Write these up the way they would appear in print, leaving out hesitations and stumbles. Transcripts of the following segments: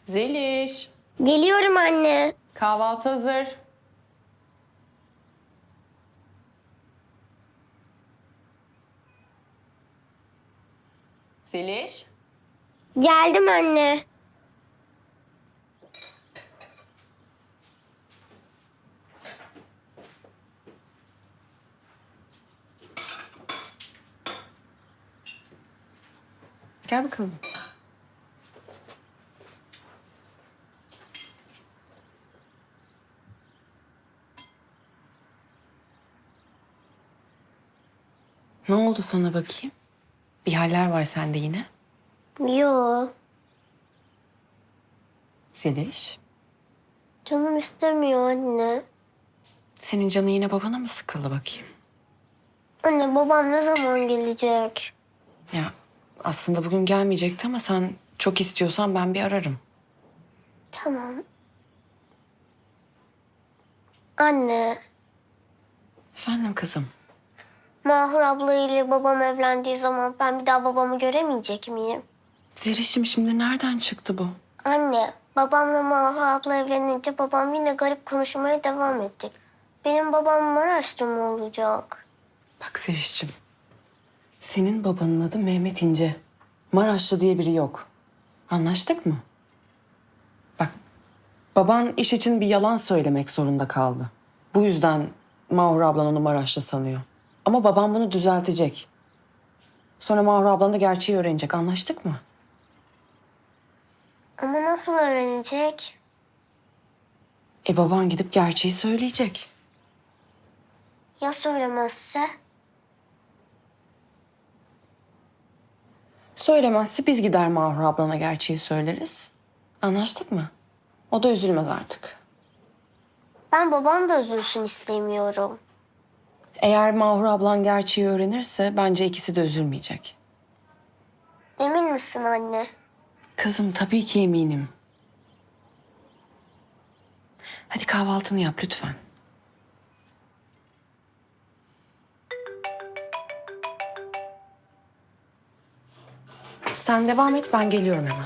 Zeliş, Geliyorum anne. kahvaltı hazır. Zeliş, Geldim anne. gel bakalım. Ne oldu sana bakayım? Bir haller var sende yine. Yo, Zeliş, canım istemiyor anne. senin canın yine babana mı sıkıldı bakayım? Anne babam ne zaman gelecek? Ya aslında bugün gelmeyecekti ama sen çok istiyorsan ben bir ararım. Tamam. Anne, Efendim kızım. Mahur abla ile babam evlendiği zaman ben bir daha babamı göremeyecek miyim? Zeliş'im şimdi nereden çıktı bu? Anne, babam ve Mahur abla evlenince babam yine garip konuşmaya devam edecek. Benim babam Maraşlı mı olacak? Bak Zeliş'cim. Senin babanın adı Mehmet İnce. Maraşlı diye biri yok. Anlaştık mı? Bak, baban iş için bir yalan söylemek zorunda kaldı. Bu yüzden Mahur ablan onu Maraşlı sanıyor. Ama babam bunu düzeltecek. Sonra Mahur ablan da gerçeği öğrenecek. Anlaştık mı? Ama nasıl öğrenecek? Baban gidip gerçeği söyleyecek. Ya söylemezse? Söylemezse biz gider Mahur ablana gerçeği söyleriz. Anlaştık mı? O da üzülmez artık. Ben babam da üzülsün istemiyorum. Eğer Mahur ablan gerçeği öğrenirse bence ikisi de üzülmeyecek. Emin misin anne? Kızım tabii ki eminim. Hadi kahvaltını yap lütfen. Sen devam et, ben geliyorum hemen.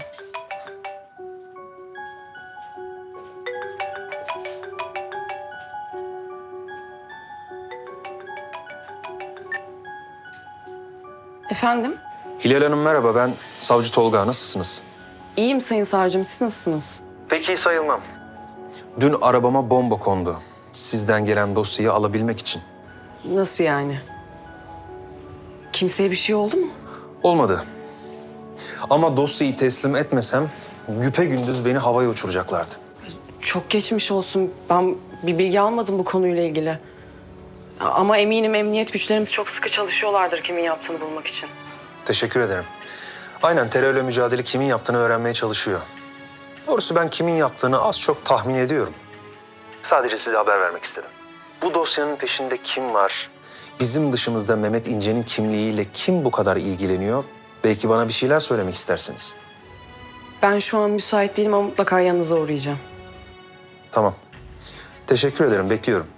Efendim? Hilal Hanım merhaba, ben Savcı Tolga. Nasılsınız? İyiyim Sayın Savcım, siz nasılsınız? Pek iyi sayılmam. Dün arabama bomba kondu. Sizden gelen dosyayı alabilmek için. Nasıl yani? Kimseye bir şey oldu mu? Olmadı. Ama dosyayı teslim etmesem güpegündüz beni havaya uçuracaklardı. Çok geçmiş olsun. Ben bir bilgi almadım bu konuyla ilgili. Ama eminim emniyet güçlerimiz çok sıkı çalışıyorlardır kimin yaptığını bulmak için. Teşekkür ederim. Aynen, terörle mücadele kimin yaptığını öğrenmeye çalışıyor. Doğrusu ben kimin yaptığını az çok tahmin ediyorum. Sadece size haber vermek istedim. Bu dosyanın peşinde kim var? Bizim dışımızda Mehmet İnce'nin kimliğiyle kim bu kadar ilgileniyor? Belki bana bir şeyler söylemek istersiniz. Ben şu an müsait değilim ama mutlaka yanınıza uğrayacağım. Tamam. Teşekkür ederim, bekliyorum.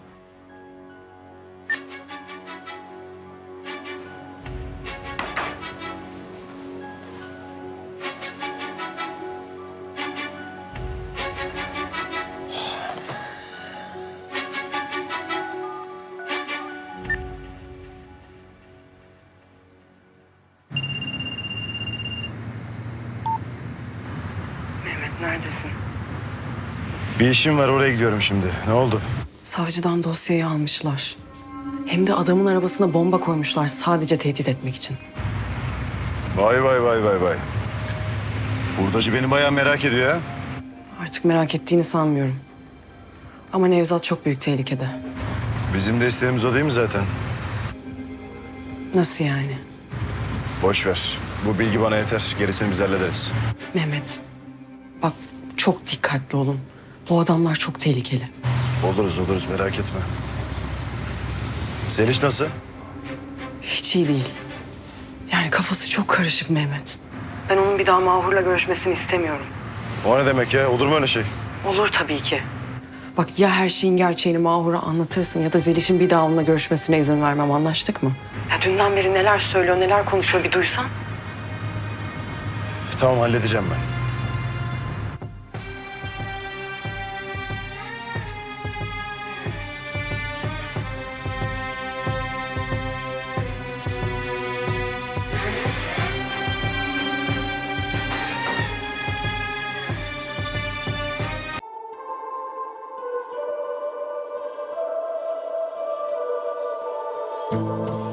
Mehmet neredesin? Bir işim var, oraya gidiyorum şimdi. Ne oldu? Savcıdan dosyayı almışlar. Hem de adamın arabasına bomba koymuşlar sadece tehdit etmek için. Vay vay vay vay vay. Hurdacı beni bayağı merak ediyor ya. Artık merak ettiğini sanmıyorum. Ama Nevzat çok büyük tehlikede. Bizim de isteğimiz o değil mi zaten? Nasıl yani? Boş ver. Bu bilgi bana yeter. Gerisini biz hallederiz. Mehmet, bak çok dikkatli olun. Bu adamlar çok tehlikeli. Oluruz merak etme. Zeliş nasıl? Hiç iyi değil. Yani kafası çok karışık Mehmet. Ben onun bir daha Mahur'la görüşmesini istemiyorum. O ne demek ya? Olur mu öyle şey? Olur tabii ki. Bak ya her şeyin gerçeğini Mahur'a anlatırsın ya da Zeliş'in bir daha onunla görüşmesine izin vermem, anlaştık mı? Ya dünden beri neler söylüyor, neler konuşuyor bir duysan. Tamam, halledeceğim ben. olsun.